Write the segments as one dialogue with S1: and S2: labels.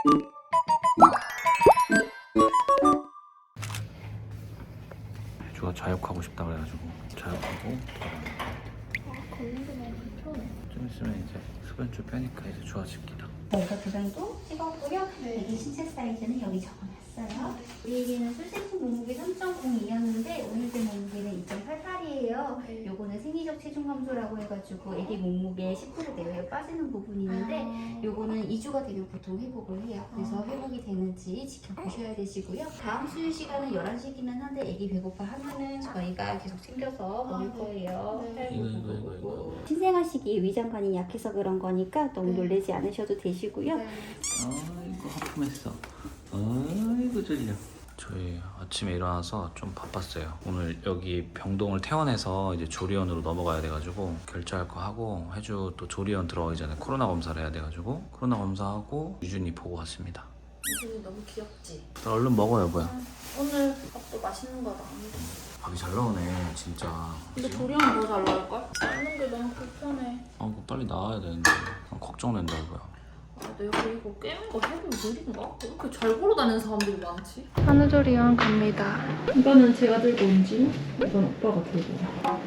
S1: 주가 자욕하고 싶다 그래가지고 자욕하고
S2: 걷는 게 너무 불편해.
S1: 좀 있으면 이제 흡연줄 빼니까 이제 좋아집니다.
S3: 저희가 도장도 찍었고요. 애기 신체 사이즈는 여기 적어놨어요. 우리 애기는 출생품 몸무게 3.02였는데 오늘 제 몸무게는 2.88이에요.
S2: 네.
S3: 요거는 생리적 체중 감소라고 해가지고 애기 몸무게 10% 내외로 빠지는 부분이 있는데 요거는 2주가 되면 보통 회복을 해요. 그래서 회복이 되는지 지켜보셔야 되시고요. 다음 수유 시간은 11시기는 한데 애기 배고파 하면은 저희가 계속 챙겨서 먹을 거예요.
S2: 네.
S1: 이거.
S3: 신생아시기에 위장관이 약해서 그런 거니까 너무
S2: 네.
S3: 놀라지 않으셔도 되시고요.
S2: 네.
S1: 아이고 하품했어. 아이고 졸려. 저희 아침에 일어나서 좀 바빴어요. 오늘 여기 병동을 퇴원해서 이제 조리원으로 넘어가야 돼가지고 결제할 거 하고 해주 또 조리원 들어가기 전에 코로나 검사를 해야 돼가지고 코로나 검사하고 유준이 보고 왔습니다.
S2: 유준이 너무 귀엽지?
S1: 얼른 먹어 여보야.
S2: 오늘 밥도 맛있는 거다.
S1: 밥이 잘 나오네 진짜.
S2: 근데 조리하면 더 잘 나올걸? 먹는 게 너무 불편해.
S1: 아 이거 빨리 나와야 되는데 걱정된다 이거야.
S2: 아, 내가 이거 깨는 거 해도 느린가? 왜 이렇게 잘 걸어다니는 사람들이 많지?
S4: 한우조리원 갑니다.
S2: 이거는 제가 들고 온지, 이건 오빠가 들고 온.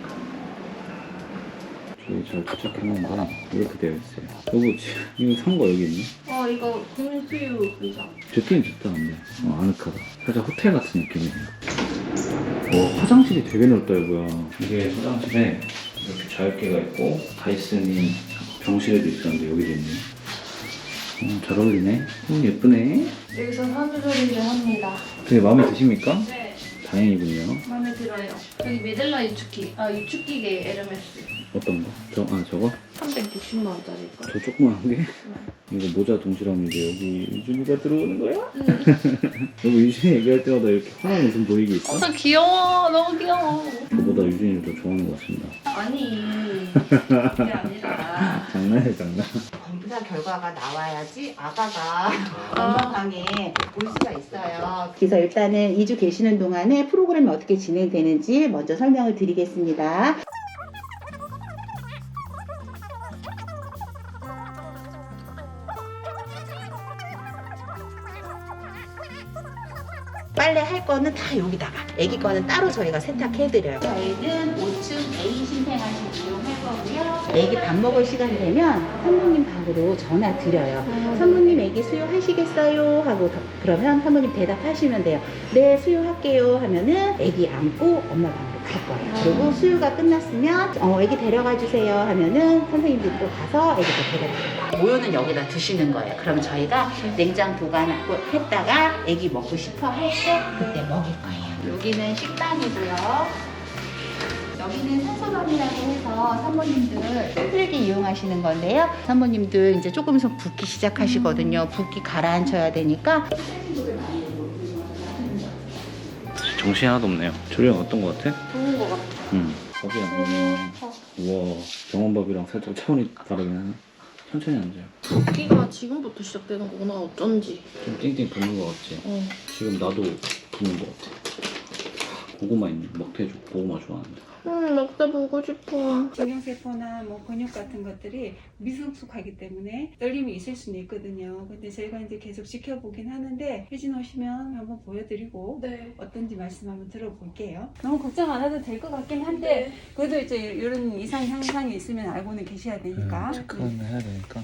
S1: 저희 잘 도착했는데 이렇게 되어 있어요. 여보 이거 산 거 여기 있니?
S2: 이거 국민수유 의자.
S1: 좋긴 좋다 근데 아늑하다. 살짝 호텔 같은 느낌이네요. 화장실이 되게 넓다 이거야. 이게 화장실에 이렇게 자유기가 있고 다이슨이 병실에도 있었는데 여기도 있네. 잘 어울리네. 예쁘네.
S2: 여기서 한우조리를 합니다.
S1: 되게 마음에 드십니까?
S2: 네,
S1: 다행이군요.
S2: 마음에 들어요. 여기 메델라 유축기, 유축기계 에르메스.
S1: 어떤 거? 저거?
S2: 360만 원짜리 거.
S1: 저 조그만한 게? 이거 모자 동실함인데 여기 유준이가 들어오는 거야? 여보 유준이 얘기할 때마다 이렇게 환한 웃음 보이게 있어?
S2: 나 귀여워, 너무 귀여워.
S1: 저보다 유준이를 더 좋아하는 것 같습니다.
S2: 아니, 그게 아니라.
S1: 장난이야 장난.
S5: 검사 결과가 나와야지 아가가 건강하게 올 수가 있어요. 그래서 일단은 2주 계시는 동안에 프로그램이 어떻게 진행되는지 먼저 설명을 드리겠습니다. 빨래 할 거는 다 여기다가, 애기 거는 따로 저희가 세탁해드려요. 저희는 5층 A 신생아실 이용할 거고요. 애기 밥 먹을 시간 되면 산모님 방으로 전화 드려요. 산모님 애기 수유하시겠어요? 하고 그러면 산모님 대답하시면 돼요. 네, 수유할게요 하면은 애기 안고 엄마 방으로 갈 거예요. 그리고 수유가 끝났으면 애기 데려가 주세요 하면은 선생님들이 또 가서 애기 또 데려가요. 모유는 여기다 두시는 거예요. 그럼 저희가 냉장 보관하고 했다가 애기 먹고 싶어 할 때 그때 먹일 거예요. 여기는 식당이고요. 여기는 산소방이라고 해서 산모님들 힘들게 이용하시는 건데요. 산모님들 이제 조금 있으면 붓기 시작하시거든요. 붓기 가라앉혀야 되니까.
S1: 정신이 하나도 없네요. 조리가 어떤 거 같아?
S2: 좋은 거 같아.
S1: 밥이 안 오면 우와 병원밥이랑 살짝 차원이 다르긴 하네. 천천히 앉아요.
S2: 붓기가 지금부터 시작되는 거구나, 어쩐지.
S1: 좀 띵띵 붓는 거 같지? 지금 나도 붓는 거 같아. 고구마 있네. 먹태죽 고구마 좋아하는데.
S2: 먹다 보고 싶어.
S6: 정형세포나 뭐 근육 같은 것들이 미성숙하기 때문에 떨림이 있을 수는 있거든요. 근데 저희가 이제 계속 지켜보긴 하는데 혜진 오시면 한번 보여드리고
S2: 네.
S6: 어떤지 말씀 한번 들어볼게요. 너무 걱정 안 해도 될 것 같긴 한데 그래도 이제 이런 이상 현상이 있으면 알고는 계셔야 되니까.
S1: 체크는 해야 되니까.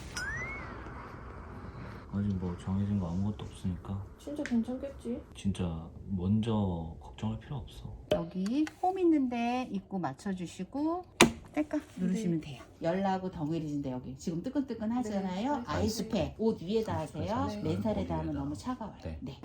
S1: 아직 뭐 정해진 거 아무것도 없으니까
S2: 진짜 괜찮겠지?
S1: 진짜 먼저 걱정할 필요 없어.
S5: 여기 홈 있는데 입구 맞춰주시고 뗄까? 누르시면 돼요. 열나고 덩어리진데 여기 지금 뜨끈뜨끈 하잖아요.
S2: 네.
S5: 아이스팩 옷 위에다 하세요.
S1: 네.
S5: 맨살에다 하면 너무 차가워요.
S1: 네.
S5: 네.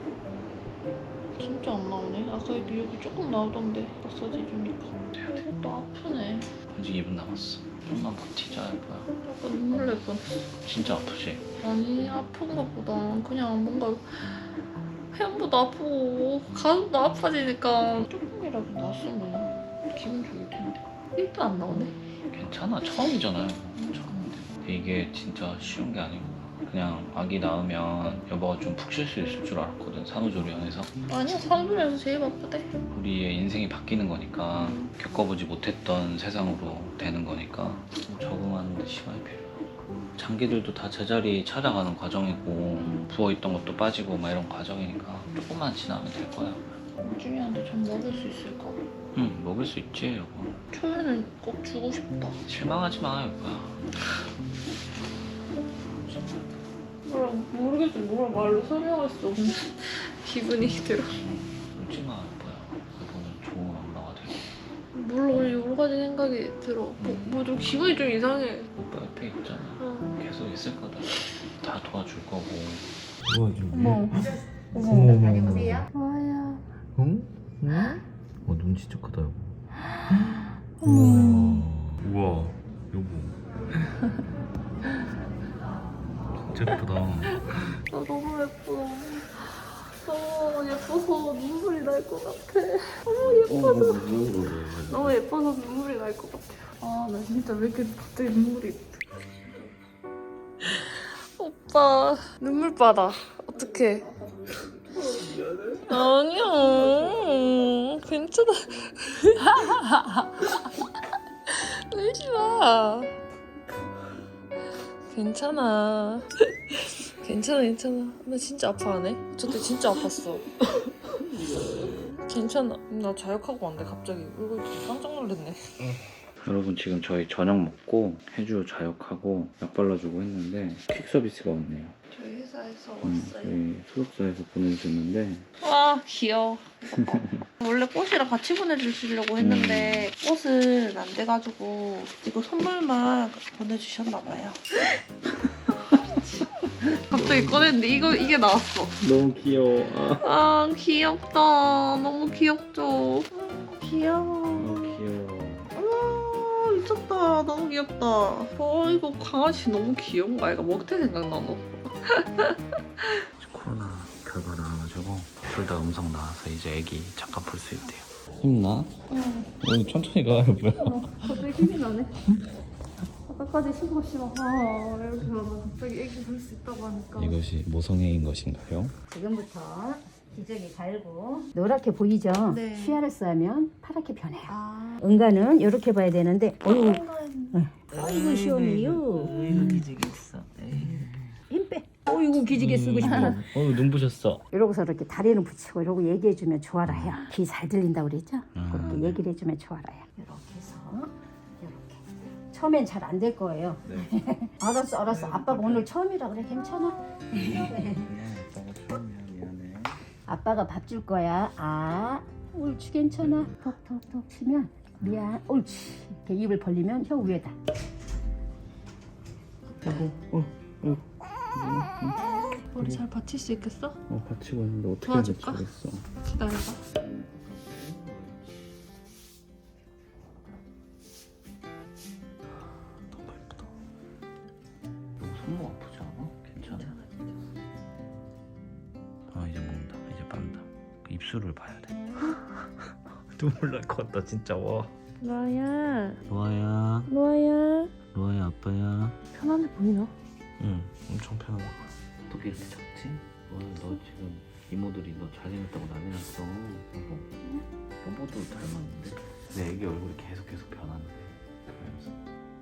S2: 진짜 안 나오네. 아까 여기 조금 나오던데 마사지 해주니까. 이것도 아프네.
S1: 아직 2분 남았어. 좀만 버티자 이거야.
S2: 약간 눈물 날 뻔했어.
S1: 진짜 아프지?
S2: 아니, 아픈 것보다 그냥 뭔가 햄보다 아프고 가슴도 아파지니까 조금이라도 나았으면 기분 좋을 텐데. 1도 안 나오네.
S1: 괜찮아. 처음이잖아요. 처음인데. 이게 진짜 쉬운 게 아니고 그냥 아기 낳으면 여보가 좀 푹 쉴 수 있을 줄 알았거든. 산후조리원에서.
S2: 아니야, 산후조리원에서 제일 바쁘대.
S1: 우리의 인생이 바뀌는 거니까 겪어보지 못했던 세상으로 되는 거니까 좀 적응하는 데 시간이 필요해. 장기들도 다 제자리 찾아가는 과정이고 부어있던 것도 빠지고 막 이런 과정이니까 조금만 지나면 될 거야.
S2: 우준이한테 전 먹일 수 있을까?
S1: 응, 먹을 수 있지 여보.
S2: 초에는 꼭 주고 싶다.
S1: 실망하지 마 여보야.
S2: 모르겠어. 뭘 말로 설명할 수 없는 기분이 들어.
S1: 울지 마 여보야. 여보는 좋은 엄마가 되고.
S2: 물론 여러 가지 생각이 들어. 뭐 좀 기분이 좀 이상해.
S1: 오빠 옆에 있잖아.
S2: 어.
S1: 계속 있을 거다. 다 도와줄 거고.
S2: 어머.
S3: 다녀오세요.
S2: 와야.
S1: 응? 응? 눈 진짜 크다 여보. 우와 여보. 진짜 예쁘다.
S2: 나 너무 예뻐. 너무 예뻐서 눈물이 날 것 같아. 너무 예뻐서. 너무 예뻐서 눈물이 날 것 같아. 아, 나 진짜 왜 이렇게 갑자기 눈물이. 오빠, 눈물바다. 어떡해. 아니야. 괜찮아. 울지 마. 괜찮아. 괜찮아. 나 진짜 아파하네. 저때 진짜 아팠어. 괜찮아. 나 자역하고 왔네. 갑자기 울고 있고 깜짝 놀랐네.
S1: 여러분 지금 저희 저녁 먹고 해주 자역하고 약 발라주고 했는데 퀵 서비스가 왔네요.
S2: 저희 회사에서
S1: 저희 소속사에서 보내주셨는데
S2: 와, 귀여워. 원래 꽃이랑 같이 보내주시려고 했는데 꽃은 안 돼가지고 이거 선물만 보내주셨나봐요. 갑자기 꺼냈는데 이게 나왔어.
S1: 너무 귀여워.
S2: 아, 귀엽다. 너무 귀엽죠. 귀여워.
S1: 귀여워.
S2: 아, 미쳤다. 너무 귀엽다. 이거 강아지 너무 귀여운 거 아이가? 먹태 생각나 너.
S1: 코로나 결과 나와가지고 둘 다 음성 나와서 이제 애기 잠깐 볼 수 있대요. 힘나?
S2: 응.
S1: 오늘 천천히 가 여보야.
S2: 갑자기 힘이 나네. 아까까지 쉬고 이렇게 하다가 갑자기 애기 볼 수 있다고 하니까.
S1: 이것이 모성애인 것인가요?
S3: 지금부터 기저귀 갈고 노랗게 보이죠?
S2: 네.
S3: 쉬아르스 하면 파랗게 변해요.
S2: 아.
S3: 응가는 이렇게 봐야 되는데 어이구 시원해요.
S1: 이거 기지개 있어.
S3: 힘 빼. 어이구 기지개 쓰고 싶어.
S1: 눈부셨어.
S3: 이러고서 이렇게 다리는 붙이고 이러고 얘기해주면 좋아라 해요. 귀 잘 들린다고 그랬죠? 그렇게 얘기를 해주면 좋아라 해요. 이렇게 해서 이렇게. 처음엔 잘 안 될 거예요.
S1: 네.
S3: 알았어. 아빠가 오늘 처음이라 그래. 괜찮아?
S1: 미안해.
S3: 아빠가 밥 줄 거야. 아, 옳지 괜찮아. 톡톡톡 치면 미안. 옳지. 이렇게 입을 벌리면 혀 위에다.
S2: 머리 잘 받칠 수 있겠어?
S1: 받치고 있는데 어떻게
S2: 도와줄까?
S1: 받치겠어?
S2: 기다려봐.
S1: 너무 예쁘다. 이거 손목 아프지 않아? 괜찮아. 아 이제 먹는다. 이제 빤다. 그 입술을 봐야 돼. 눈물 날 것 같다 진짜. 와.
S2: 로아야.
S1: 로아야.
S2: 로아야.
S1: 로아야 아빠야.
S2: 편안해 보이나?
S1: 응, 엄청 편하다. 어떻게 이렇게 작지? 와, 너 지금 이모들이 너 잘생겼다고 난리 났어. 여보. 여보도 닮았는데? 내 애기 얼굴이 계속 변하는데. 그러면서.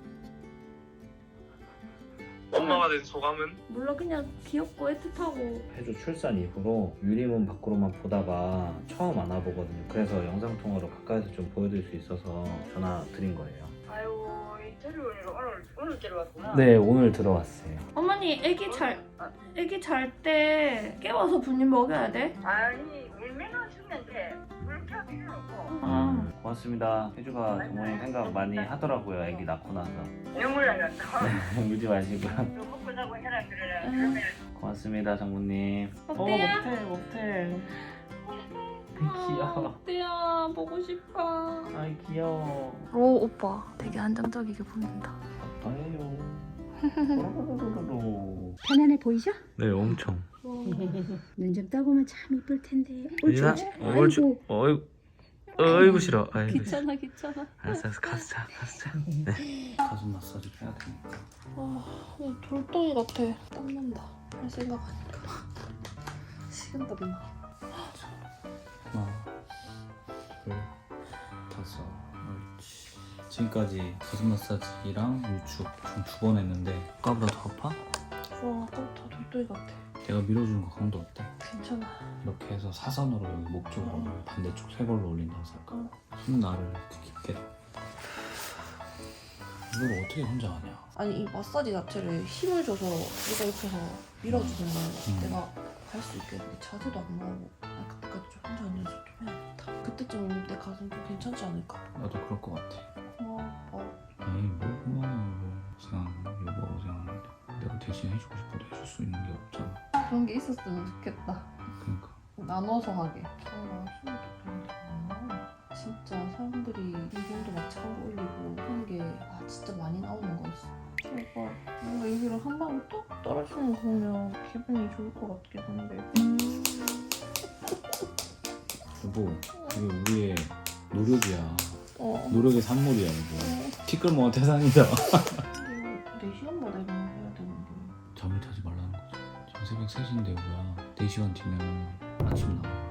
S7: 엄마가 된 소감은?
S2: 몰라, 그냥 귀엽고 애틋하고.
S1: 해주 출산 이후로 유리문 밖으로만 보다가 처음 안아보거든요. 그래서 영상통화로 가까이서 좀 보여드릴 수 있어서 전화 드린 거예요.
S7: 아이고 인터뷰를 오늘 들어왔구나.
S1: 네, 오늘 들어왔어요.
S2: 어머니, 애기 잘 때 깨워서 분유 먹여야 돼?
S7: 아니 울면은 죽는데 그렇게 할 필요 없고
S1: 고맙습니다. 해주가 정말 생각 많이 하더라고요. 애기 낳고 나서.
S7: 눈물 나겠다.
S1: 울지 마시고요.
S7: 좀 먹고 자고 해라 그러면
S1: 고맙습니다, 장모님.
S2: 어때요?
S1: 못해.
S2: 귀여워. 어때요? 보고 싶어.
S1: 아이 귀여워.
S2: 로 오빠 되게 안정적이게 보인다.
S1: 아빠예요.
S3: 편안해 보이죠?
S1: 네, 엄청.
S3: 눈 좀 떠보면 참 이쁠 텐데.
S1: 리나,
S3: 아이고.
S1: 어이구 싫어. 아이고.
S2: 귀찮아.
S1: 알았어, 가자. 네. 가슴 마사지 해야 되니까.
S2: 그냥 돌덩이 같아. 땀난다. 할 생각하니까. 식은땀 나.
S1: 하나, 둘, 다섯, 옳지. 지금까지 가슴 마사지랑 유축 총 2번 했는데 아까보다 더 아파?
S2: 아까부터 돌돌이 같아.
S1: 내가 밀어주는 거 강도 어때?
S2: 괜찮아.
S1: 이렇게 해서 사선으로 여기 목 쪽으로 반대쪽 세 걸로 올린다고 생각하고 손 나를 이렇게 깊게 이걸 어떻게 혼자 하냐?
S2: 아니 이 마사지 자체를 힘을 줘서 내가 옆에서 밀어주는 거야. 내가 갈 수 있게 이렇게 자세도 안 나오고 그때까지 좀 혼자 앉아서 좀 해야겠다. 그때쯤 내 가슴 좀 괜찮지 않을까?
S1: 나도 그럴 것 같아.
S2: 고마워.
S1: 에이 뭘 고마워. 그냥 여보 그냥 내가 대신 해주고 싶어도 해줄 수 있는 게 없잖아.
S2: 그런 게 있었으면 좋겠다.
S1: 그러니까
S2: 나눠서 하게. 아, 숨도 그런다. 진짜 사람들이 이 정도 마찰하고 올리고 하는 게 진짜 많이 나오는 거였어. 제발 뭔가 여기로 한 방울 뚝 떨어지는 거 보면 기분이 좋을 것 같긴 한데.
S1: 여보 이게 우리의 노력이야.
S2: 어.
S1: 노력의 산물이야 이거. 티끌모아 태산이다.
S2: 4시간마다 이런 거 해야 되는데.
S1: 잠을 자지 말라는 거지. 지금 새벽 3시인데 뭐야. 4시간 뒤면 아침 나와.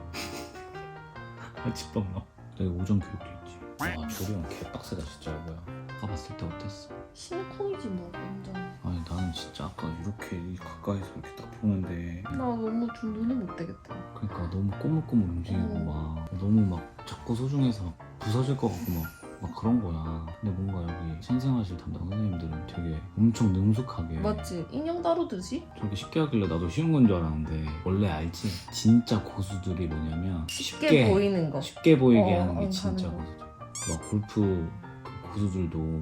S1: 아침밥 나와. 내가 오전 교육도 있지. 와 조리원 개빡세다 진짜 뭐야. 아까 봤을 때 어땠어?
S2: 심쿵이지 뭐 완전.
S1: 아니 나는 진짜 아까 이렇게 가까이서 이렇게 딱 보는데
S2: 나 너무 좀 눈이 못 되겠다.
S1: 그러니까 너무 꼬물꼬물 움직이고 막 너무 막 자꾸 소중해서 막 부서질 것 같고 막 그런 거야. 근데 뭔가 여기 신생아실 담당 선생님들은 되게 엄청 능숙하게
S2: 맞지? 인형 다루듯이?
S1: 저렇게 쉽게 하길래 나도 쉬운 건 줄 알았는데 원래 알지? 진짜 고수들이 뭐냐면
S2: 쉽게 보이는 거.
S1: 쉽게 보이게 하는 게
S2: 하는
S1: 진짜
S2: 거.
S1: 고수들. 막 골프 그 고수들도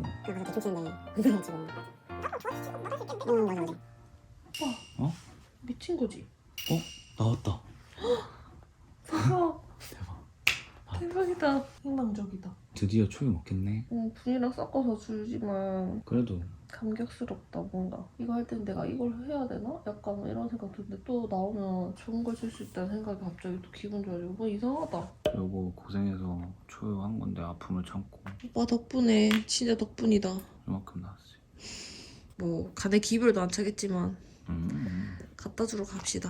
S1: 어?
S2: 미친 거지?
S1: 나왔다.
S2: 대박.
S1: 대박.
S2: 대박이다. 희망적이다.
S1: 드디어 초유 먹겠네.
S2: 분이랑 섞어서 주지만
S1: 그래도
S2: 감격스럽다 뭔가. 이거 할 땐 내가 이걸 해야 되나? 약간 이런 생각 드는데 또 나오면 좋은 걸 쓸 수 있다는 생각이 갑자기 또 기분 좋아지고 뭐 이상하다.
S1: 여보 고생해서 초유한 건데 아픔을 참고
S2: 오빠 덕분에 진짜 덕분이다.
S1: 이만큼 나왔어요.
S2: 뭐 간에 기별도 안 차겠지만 갖다 주러 갑시다.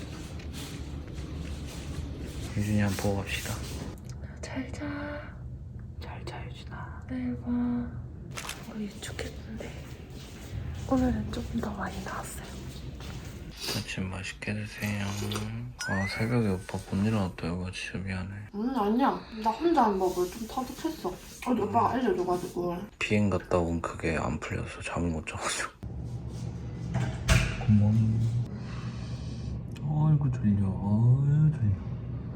S1: 유진이 한번 보고 갑시다.
S2: 잘 자.
S1: 잘 자 유진아.
S2: 내일 봐. 우리 좋겠는데 오늘은 조금 더 많이 나왔어요.
S1: 아침 맛있게 드세요. 아 새벽에 오빠 못 일어났다 여보 진짜 미안해.
S2: 아니야. 나 혼자 한 법을 좀 터득했어. 어제 오빠가 알려줘가지고.
S1: 비행 갔다 온 그게 안 풀려서 잠을 못 자가지고. 굿모닝. 아이고 졸려. 아유 졸려.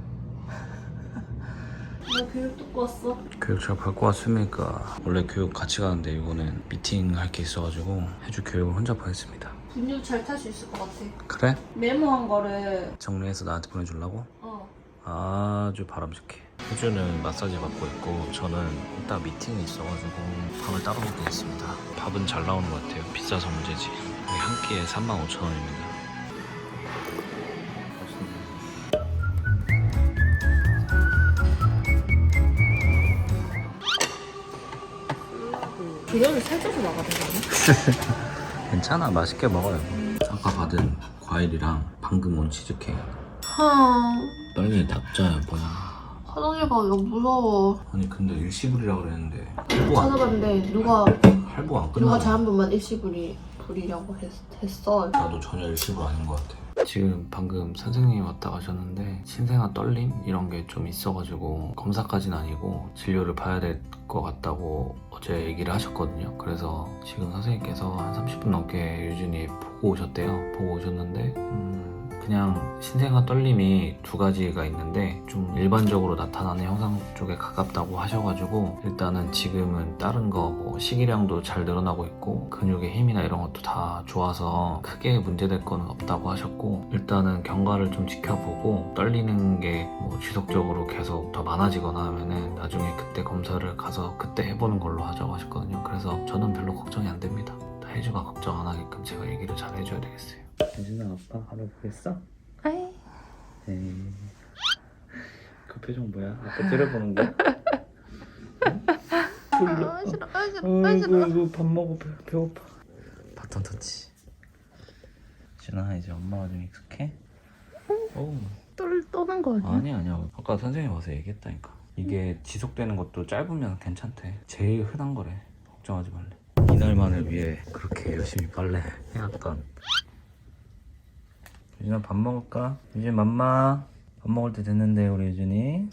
S2: 나 교육 듣고 왔어.
S1: 교육 잘 받고 왔습니까? 원래 교육 같이 가는데 이거는 미팅 할 게 있어가지고 해줄 교육을 혼자 보냈습니다.
S2: 근육 잘 탈 수 있을 것 같아.
S1: 그래?
S2: 메모한 거를
S1: 정리해서 나한테 보내주려고?
S2: 어.
S1: 아주 바람직해. 혜주는 마사지 받고 있고 저는 이따 미팅이 있어가지고 밥을 따로 먹고 있습니다. 밥은 잘 나오는 것 같아요. 비싸서 문제지. 여기 한 끼에 35,000원입니다.
S2: 그녀를 살쪄서 나가는 거 아니야?
S1: 괜찮아 맛있게 먹어요. 아까 받은 과일이랑 방금 온 치즈케이크. 빨리 납자야 뭐야.
S2: 화장실 가기가 무서워.
S1: 아니 근데 일시불이라 그랬는데 할부 안
S2: 찾아봤는데 누가
S1: 할부 안
S2: 누가
S1: 끝나.
S2: 잘한 번만 부리려고 했어.
S1: 나도 전혀 일시불 아닌 것 같아. 지금 방금 선생님이 왔다 가셨는데 신생아 떨림 이런 게 좀 있어가지고 검사까지는 아니고 진료를 봐야 될 것 같다고 어제 얘기를 하셨거든요. 그래서 지금 선생님께서 한 30분 넘게 유진이 보고 오셨대요. 보고 오셨는데 그냥 신생아 떨림이 2가지가 있는데 좀 일반적으로 나타나는 형상 쪽에 가깝다고 하셔가지고 일단은 지금은 다른 거 뭐 식이량도 잘 늘어나고 있고 근육의 힘이나 이런 것도 다 좋아서 크게 문제될 거는 없다고 하셨고 일단은 경과를 좀 지켜보고 떨리는 게 뭐 지속적으로 계속 더 많아지거나 하면은 나중에 그때 검사를 가서 그때 해보는 걸로 하자고 하셨거든요. 그래서 저는 별로 걱정이 안 됩니다. 혜주가 걱정 안 하게끔 제가 얘기를 잘 해줘야 되겠어요. 혜준아 아빠 한번 보겠어?
S2: 아이.
S1: 에이. 그 표정 뭐야? 아빠 째려보는 거야?
S2: 싫어.
S1: 아이고 밥 먹어 배고파. 바톤 터치. 준아 이제 엄마가 좀 익숙해? 오.
S2: 떠는 거 아니야?
S1: 아니야 아까 선생님 와서 얘기했다니까. 이게 지속되는 것도 짧으면 괜찮대. 제일 흔한 거래. 걱정하지 말래. 이날만을 위해 그렇게 열심히 빨래 해왔던. 유진아 밥 먹을까? 유진 맘마 밥 먹을 때 됐는데 우리 유진이.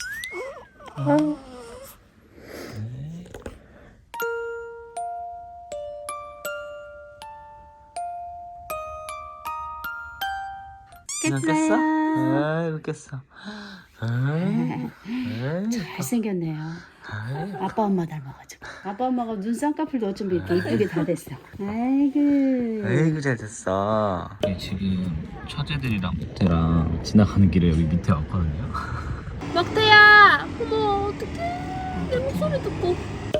S1: 깼어요? 아이고 깼어.
S5: 잘생겼네요. 아빠 엄마 닮아가지고. 아빠 엄마가 눈 쌍꺼풀도 어쩜 이렇게 이쁘게 다 됐어. 아이고.
S1: 아이고 잘 됐어. 지금 처제들이랑 목태랑 지나가는 길에 여기 밑에 왔거든요.
S2: 막대야! 어머 어떡해 내 목소리 듣고.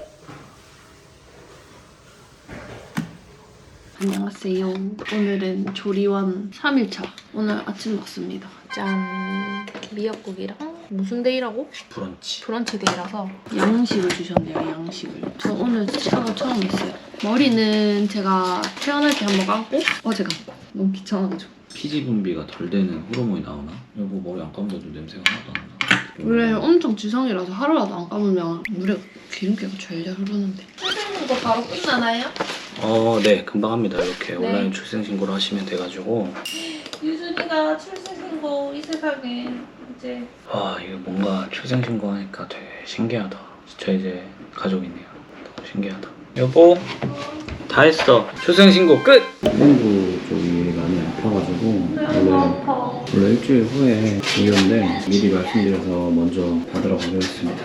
S2: 안녕하세요. 오늘은 조리원 3일차. 오늘 아침 먹습니다. 짠! 미역국이랑 무슨 데이라고?
S1: 브런치.
S2: 브런치 데이라서 양식을 주셨네요. 양식을. 저 오늘 치아가 처음 했어요. 머리는 제가 태어날 때 한번 감고 어제 감고. 너무 귀찮아가지고.
S1: 피지 분비가 덜 되는 호르몬이 나오나? 여보 머리 안 감아도 냄새가 하나도 안 나.
S2: 원래 엄청 지성이라서 하루라도 안 감으면 물에 기름기가 절절 흐르는데. 출생신고 바로 끝나나요?
S1: 네 금방 합니다. 이렇게
S2: 네.
S1: 온라인 출생신고를 하시면 돼가지고.
S2: 유준이가 출생신고 이 세상에 이제
S1: 와 이거 뭔가 출생신고 하니까 되게 신기하다. 진짜 이제 가족이네요. 너무 신기하다. 여보 다 했어. 출생신고 끝! 행부 쪽이 많이 아파가지고 원래 일주일 후에 오는데 미리 말씀드려서 먼저 받으러 가기로 했습니다.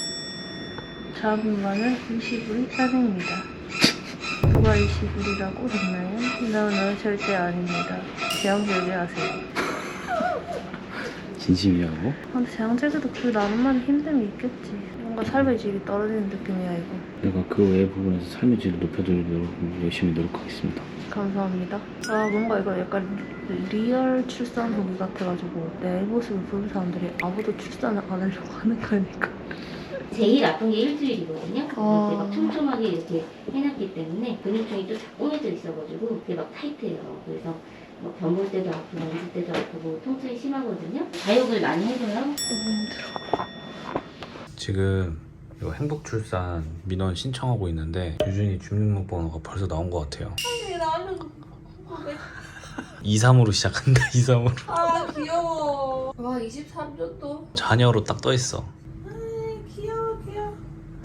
S4: 자분만은 20불이 싸냅니다. 누가 20불이라고 했나요? No, 절대 아닙니다. 제왕 절제하세요.
S1: 진심이냐고?
S4: 근데 제왕 절제도 그 나름만의 힘듦이 있겠지. 뭔가 삶의 질이 떨어지는 느낌이야 이거.
S1: 내가 그 외의 부분에서 삶의 질을 높여드리도록 열심히 노력하겠습니다.
S4: 감사합니다. 아 뭔가 이거 약간 리얼 출산 후기 같아가지고 내 모습을 보는 사람들이 아무도 출산을 안 하려고 하는 거니까.
S3: 제일 아픈 게 일주일이거든요.
S4: 아.
S3: 이렇게 막 촘촘하게 이렇게 해놨기 때문에 근육통이 또 쫙 꼬여져 있어가지고 이게 막 타이트해요. 그래서 뭐 변볼 때도 아프고 앉을 때도 아프고 통증이 심하거든요. 자욕을 많이 해줘요.
S4: 너무 힘들어.
S1: 지금 이거 행복출산 민원 신청하고 있는데 유준이 주민등록번호가 벌써 나온 것 같아요.
S2: 아니 나는
S1: 23으로 시작한다. 23으로.
S2: 아 귀여워. 와 23년도.
S1: 자녀로 딱 떠있어.
S2: 귀여워 귀여워.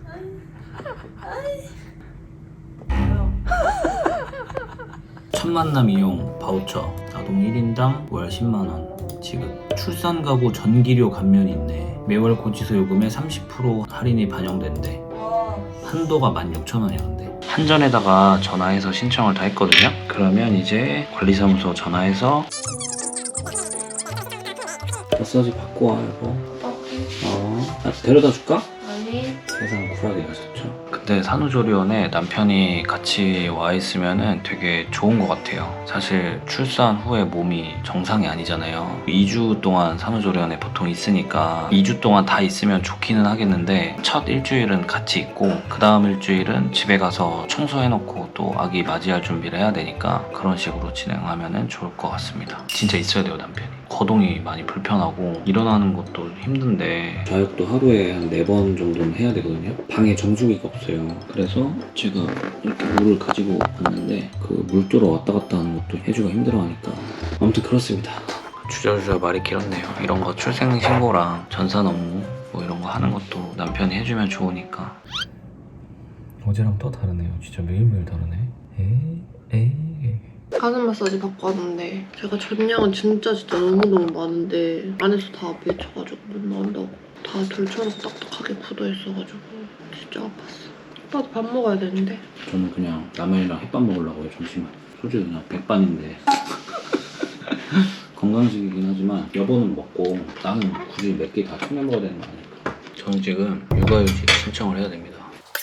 S1: 첫 만남 이용 바우처 아동 1인당 월 10만원 지급. 출산가구 전기료 감면이 있네. 매월 고지서 요금에 30% 할인이 반영된대. 한도가 16,000원이야 근데. 한전에다가 전화해서 신청을 다 했거든요. 그러면 이제 관리사무소 전화해서 마사지 받고 와 여보. 데려다 줄까?
S3: 아니.
S1: 세상 쿨하게 가셨죠. 근데 산후조리원에 남편이 같이 와 있으면은 되게 좋은 것 같아요. 사실 출산 후에 몸이 정상이 아니잖아요. 2주 동안 산후조리원에 보통 있으니까 2주 동안 다 있으면 좋기는 하겠는데 첫 일주일은 같이 있고 그 다음 일주일은 집에 가서 청소해놓고 또 아기 맞이할 준비를 해야 되니까 그런 식으로 진행하면은 좋을 것 같습니다. 진짜 있어야 돼요 남편이. 거동이 많이 불편하고 일어나는 것도 힘든데 자욕도 하루에 한 4번 정도는 해야 되거든요. 방에 정수기가 없어요. 그래서 제가 이렇게 물을 가지고 왔는데 그 물도로 왔다 갔다 하는 것도 해주가 힘들어하니까 아무튼 그렇습니다. 주저주저 말이 길었네요. 이런 거 출생신고랑 전산 업무 뭐 이런 거 하는 것도 남편이 해주면 좋으니까. 어제랑 또 다르네요. 진짜 매일매일 다르네. 에이.
S2: 가슴 마사지 받고 왔는데 제가 전량은 진짜 너무너무 많은데 안에서 다 맺혀가지고 못 나온다고 다 돌처럼 딱딱하게 굳어있어가지고 진짜 아팠어. 오빠도 밥 먹어야 되는데.
S1: 저는 그냥 라면이랑 햇밥 먹으려고요. 점심은 솔직히 그냥 백반인데 건강식이긴 하지만 여보는 먹고 나는 굳이 몇 개 다 챙겨 먹어야 되는 거 아닐까. 저는 지금 육아휴직 신청을 해야 됩니다.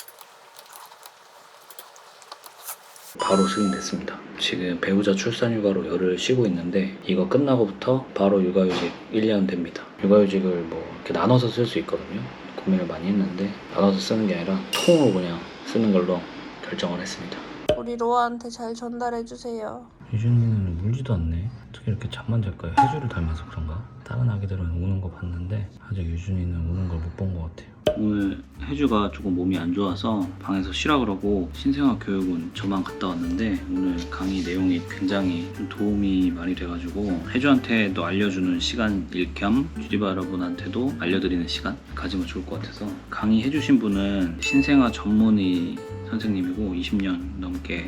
S1: 바로 승인됐습니다. 지금 배우자 출산휴가로 열흘 쉬고 있는데 이거 끝나고부터 바로 육아휴직 1년 됩니다. 육아휴직을 뭐 이렇게 나눠서 쓸 수 있거든요. 고민을 많이 했는데 나눠서 쓰는 게 아니라 통으로 그냥 쓰는 걸로 결정을 했습니다.
S4: 우리 로아한테 잘 전달해주세요.
S1: 유준이는 울지도 않네. 어떻게 이렇게 잠만 잘까요? 혜주를 닮아서 그런가? 다른 아기들은 우는 거 봤는데 아직 유준이는 우는 걸 못 본 것 같아요. 오늘 혜주가 조금 몸이 안 좋아서 방에서 쉬라 그러고 신생아 교육은 저만 갔다 왔는데 오늘 강의 내용이 굉장히 좀 도움이 많이 돼가지고 혜주한테도 알려주는 시간일 겸 주리바 여러분한테도 알려드리는 시간 가지면 좋을 것 같아서 강의 해주신 분은 신생아 전문의 선생님이고 20년 넘게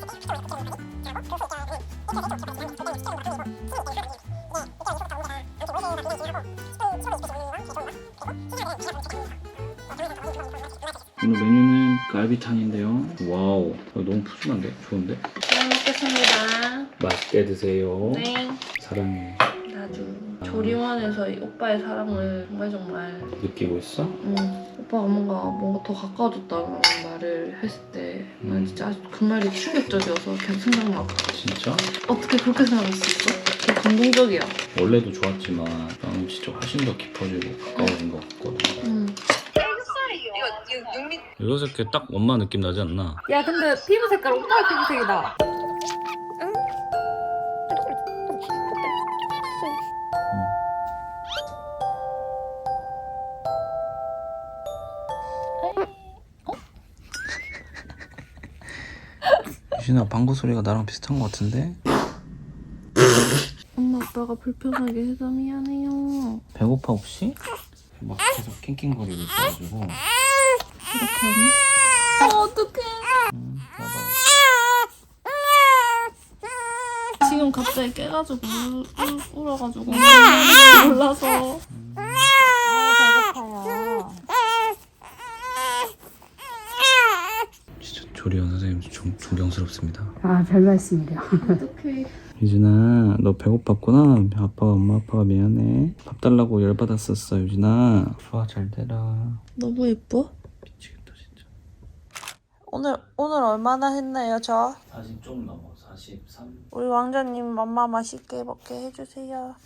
S1: 오늘 메뉴는 갈비탕인데요. 와우, 너무 푸짐한데? 좋은데?
S4: 잘 먹겠습니다.
S1: 맛있게 드세요.
S4: 네.
S1: 사랑해.
S4: 나도 조리원에서 이 오빠의 사랑을 정말
S1: 느끼고 있어?
S4: 오빠가 뭔가 더 가까워졌다는 말을 했을 때 난 진짜 그 말이 충격적이어서 계속 생각나고.
S1: 진짜?
S4: 어떻게 그렇게 생각할 수 있어? 되게 감동적이야.
S1: 원래도 좋았지만 나는 진짜 훨씬 더 깊어지고 가까워진 것 같거든. 이거 새끼 딱 엄마 느낌 나지 않나?
S2: 야 근데 피부 색깔 오빠 피부색이다.
S1: 유진아 방구 소리가 나랑 비슷한 것 같은데?
S4: 엄마 아빠가 불편하게 해서 미안해요.
S1: 배고파 혹시? 막 계속 낑낑거리고 있어가지고.
S4: 이렇게 하니? 어떡해.
S1: 봐봐.
S4: 지금 갑자기 깨가지고 울어가지고 몰라서.
S2: 배고파요.
S1: 진짜 조리원 선생님 존경스럽습니다.
S5: 아, 별 말씀이래요.
S4: 어떡해.
S1: 유진아 너 배고팠구나. 엄마 아빠가 미안해. 밥 달라고 열받았었어 유진아. 좋아 잘 되라.
S4: 너무 예뻐?
S1: 미치겠다 진짜.
S4: 오늘 얼마나 했나요 저?
S1: 40 좀 넘어 43.
S4: 우리 왕자님 맘마 맛있게 먹게 해주세요.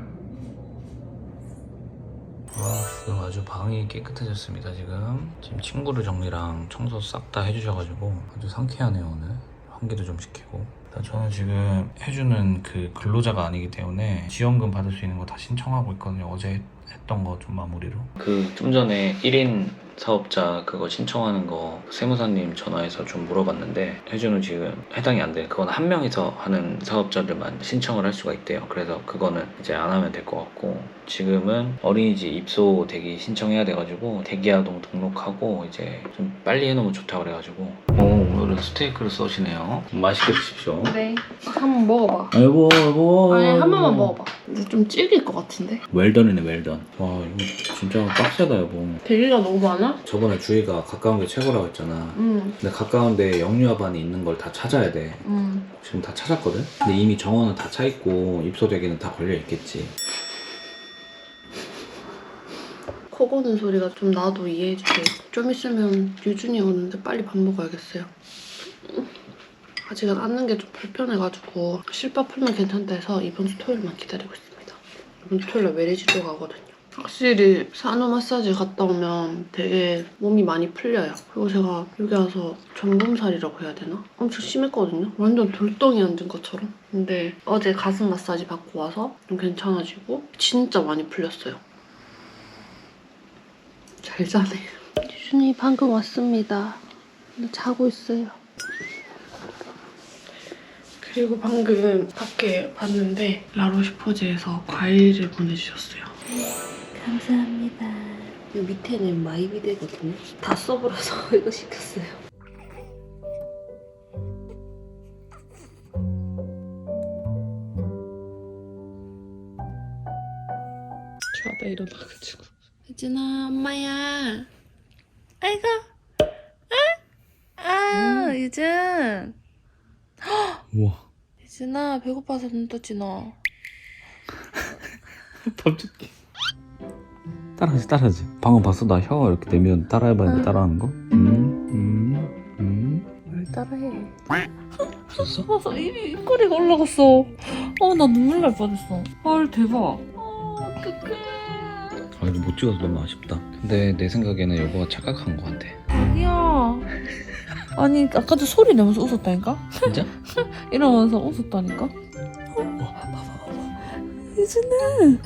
S1: 지금 아주 방이 깨끗해졌습니다. 지금 친구를 정리랑 청소 싹 다 해주셔가지고 아주 상쾌하네요. 오늘 환기도 좀 시키고. 저는 지금 해주는 그 근로자가 아니기 때문에 지원금 받을 수 있는 거 다 신청하고 있거든요. 어제 했던 거 좀 마무리로. 그 좀 전에 1인 사업자 그거 신청하는 거 세무사님 전화해서 좀 물어봤는데 해주는 지금 해당이 안 돼. 그건 한 명이서 하는 사업자들만 신청을 할 수가 있대요. 그래서 그거는 이제 안 하면 될 것 같고 지금은 어린이집 입소 대기 신청해야 돼가지고 대기아동 등록하고 이제 좀 빨리 해놓으면 좋다고 그래가지고 오늘은 스테이크를 써시네요. 맛있게 드십시오.
S4: 네. 한번 먹어봐.
S1: 여보
S4: 아니 한 번만 먹어봐. 근데 좀 질길 것 같은데?
S1: 웰던이네 웰던. 와 이거 진짜 빡세다 여보.
S4: 대기가 너무 많아?
S1: 저번에 주희가 가까운 게 최고라고 했잖아.
S4: 응.
S1: 근데 가까운데 영유아반이 있는 걸 다 찾아야 돼. 지금 다 찾았거든? 근데 이미 정원은 다 차 있고 입소 대기는 다 걸려 있겠지.
S4: 코 고는 소리가 좀 나도 이해해주세요. 좀 있으면 유준이 오는데 빨리 밥 먹어야겠어요. 아직은 앉는 게 좀 불편해가지고 실밥 풀면 괜찮다 해서 이번 주 토요일만 기다리고 있습니다. 이번 주 토요일에 외래지도 가거든요. 확실히 산후 마사지 갔다 오면 되게 몸이 많이 풀려요. 그리고 제가 여기 와서 전범살이라고 해야 되나? 엄청 심했거든요. 완전 돌덩이 앉은 것처럼. 근데 어제 가슴 마사지 받고 와서 좀 괜찮아지고 진짜 많이 풀렸어요. 잘 자네. 유준이 방금 왔습니다. 근데 자고 있어요. 그리고 방금 밖에 봤는데 라로시포즈에서 과일을 보내주셨어요. 감사합니다. 이 밑에는 마이비데거든요. 다 써버려서 이거 시켰어요. 자다 일어나가지고 혜진아 엄마야. 아이고. 유준.
S1: 우와.
S4: 유준아 배고파서 눈 떴지 너.
S1: 밥 줄게. 따라하지. 방금 봤어? 나 혀 이렇게 내면 따라해봤는데 따라하는 거?
S4: 뭘 따라해.
S1: 봤어?
S4: 봐서 입꼬리가 올라갔어. 나 눈물 날 뻔했어. 헐 대박. 어떡해.
S1: 이거 못 찍어서 너무 아쉽다. 근데 내 생각에는 여보가 착각한 것 같아.
S4: 아니야.
S2: 아니 아까도 소리 내면서 웃었다니까?
S1: 진짜?
S2: 이러면서 웃었다니까? 유진아.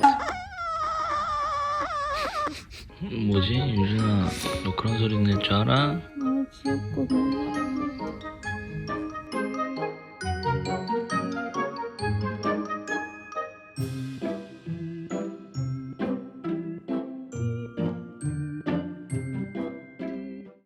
S1: 뭐지 유진아, 너 그런 소리 낼 줄 알아?
S2: 너무 귀엽고 너무 사랑해.